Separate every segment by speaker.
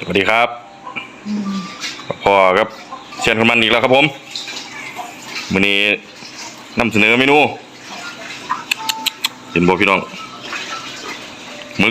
Speaker 1: สวัสดีครับพ่อครับเชียนคนมันอีกแล้วครับผมวันนี้นำเสนอเมนูเห็นบอกพี่น้องห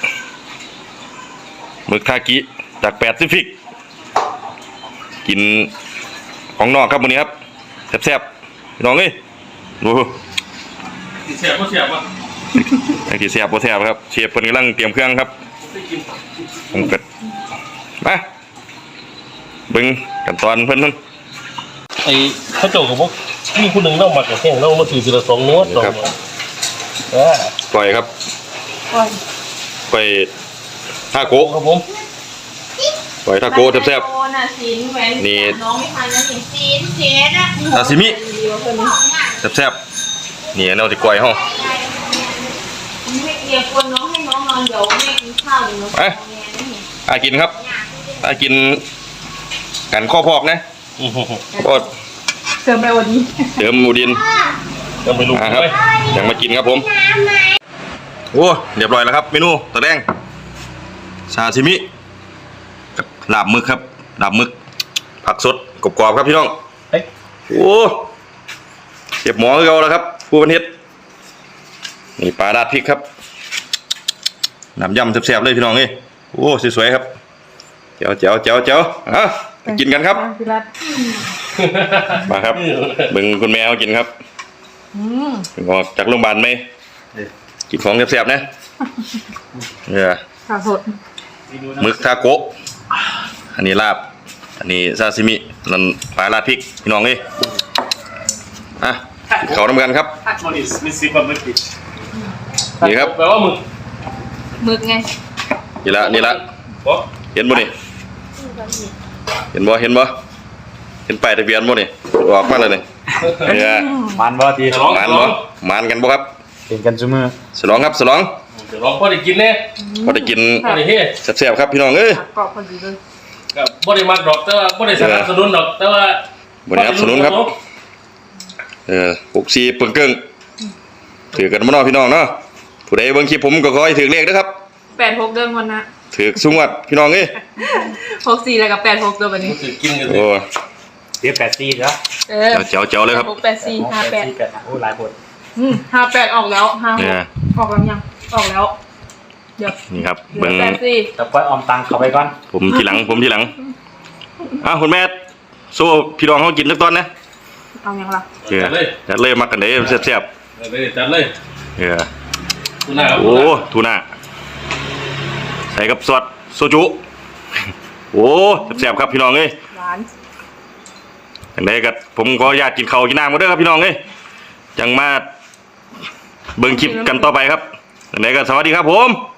Speaker 1: มึกทากิจากแปซิฟิกกินของนอกครับวันนี้ครับแซ่บๆพี่น้องเอ้ยดู
Speaker 2: เสียบก็เสียบวะ
Speaker 1: ไอ้ที่แซ่บบ่แซ่บครับเชฟเพิ่นกำลังเตรียมเครื่องครับผมเกิดมาเบิ่งขั้นตอนเพิ่นนั่น
Speaker 2: ไอ้ข้าเจ้ากับพวกมีคนหนึ่งเล่ามากับแห้งเล่ามาถือทีละ2 นวด2
Speaker 1: ปล่อยครับปล่อยทาโกะ
Speaker 2: ครับผม
Speaker 1: ปล่อยทาโกะแซ่บ
Speaker 3: ๆนี่น้องไม่ทันแล้วนี่ซีนเชดอะ
Speaker 1: ซาซิมิแซ่บๆนี่เราจะกล้วยห้อง
Speaker 3: ไม่เกี่ยวคนน้องให้น้องนอนเดี๋ยวแม่กินข้าวเดี๋ยวน้อง
Speaker 1: กินครับกินกันข้อพอกนะก็
Speaker 3: เติมไปวันนี้
Speaker 1: เติมมูดิน
Speaker 2: ยังไม่รู้
Speaker 1: ครับยังมากินครับผมโอ้เรียบร้อยแล้วครับเมนูตะแดงซาซิมิกับลาบหมึกครับลาบหมึกผักสดกรอบๆครับพี่น้องโอ้เก็บหมอเราแล้วครับผู้บรรเทศนี่ปลาดาดพริกครับน้ำยำแซ่บๆเลยพี่น้องนี่โอ้สวยๆครับเจ๋วกินกันครับมาครับบึงคุณแม่เอากินครับออกจากโรงพยาบาลไหมกินของแซ่บๆนะเนี่ย
Speaker 3: ข้าวสด
Speaker 1: หมึกทาโกะอันนี้ลาบอันนี้ซาซิมินั่นปลาลาดพริกพี่น้องนี่เขาทำกันครับนี่ครับ
Speaker 2: แปลว่า
Speaker 3: หมึกไง
Speaker 1: นี่ละเห็นบ่นี่เห็นบ่เห็นป้ายทะเบียนบ่นี่ออกมาเลยนี่
Speaker 4: มันบ่ที
Speaker 1: มันกันบ่ครับ
Speaker 4: เป็นกันซุมื้อ
Speaker 1: ฉลองครับฉลอง
Speaker 2: เดี๋ยวลองพอได้กินแน่
Speaker 1: พอได้กิน
Speaker 2: พอได้เฮ้
Speaker 1: แซ่บๆครับพี่น้องเอ้ย
Speaker 3: กรอบพอดีเลย
Speaker 2: กับบ่ได้มักดอกแต่ว่าบ่ได้สนับสนุนดอกแต่ว่า
Speaker 1: บ่ได้สนับสนุนครับ64ปึ้งเกิ้งถือกันบ่เนาะพี่น้องเนาะผู้ใดเบิ่งคลิปผมก็ขอให้ถือเลขนะครับ
Speaker 3: 86เดือนวันนะ
Speaker 1: ถือสุงวัดพี่น้องเอ้ย
Speaker 3: 64แล้วกับ86ตัวบัดนี้
Speaker 2: ถือกินกัน
Speaker 1: โอ้
Speaker 4: เดี๋ยว84เด้อ
Speaker 1: เจ๋วเลยครับ
Speaker 3: 64 58
Speaker 4: โอ้หลายคน
Speaker 3: 58ออกแล้ว56ออกแล้วยังออกแล้วเดี๋ยว
Speaker 1: นี่ครับเบิ่ง
Speaker 4: แต่ค่อยออมตังเข้าไปก่อน
Speaker 1: ผมทีหลังคุณแม่โซ่พี่น้องเฮากินสักตอนนะ
Speaker 3: เอายังล่ะ
Speaker 1: จัดเลยมักกันเด้แซ่บ
Speaker 2: จัดเลยทูน่า
Speaker 1: โอ้ทูน่าใส่กับซอสโซจุโอ้แซ่บครับพี่น้องเอ้ย
Speaker 3: หวาน
Speaker 1: จังได๋ก็ผมขออนุญาตกินข้าวกินน้ำกันเด้อครับพี่น้องเอ้ยจังมาเบิ่งคลิปกันต่อไปครับจังได๋ก็สวัสดีครับผม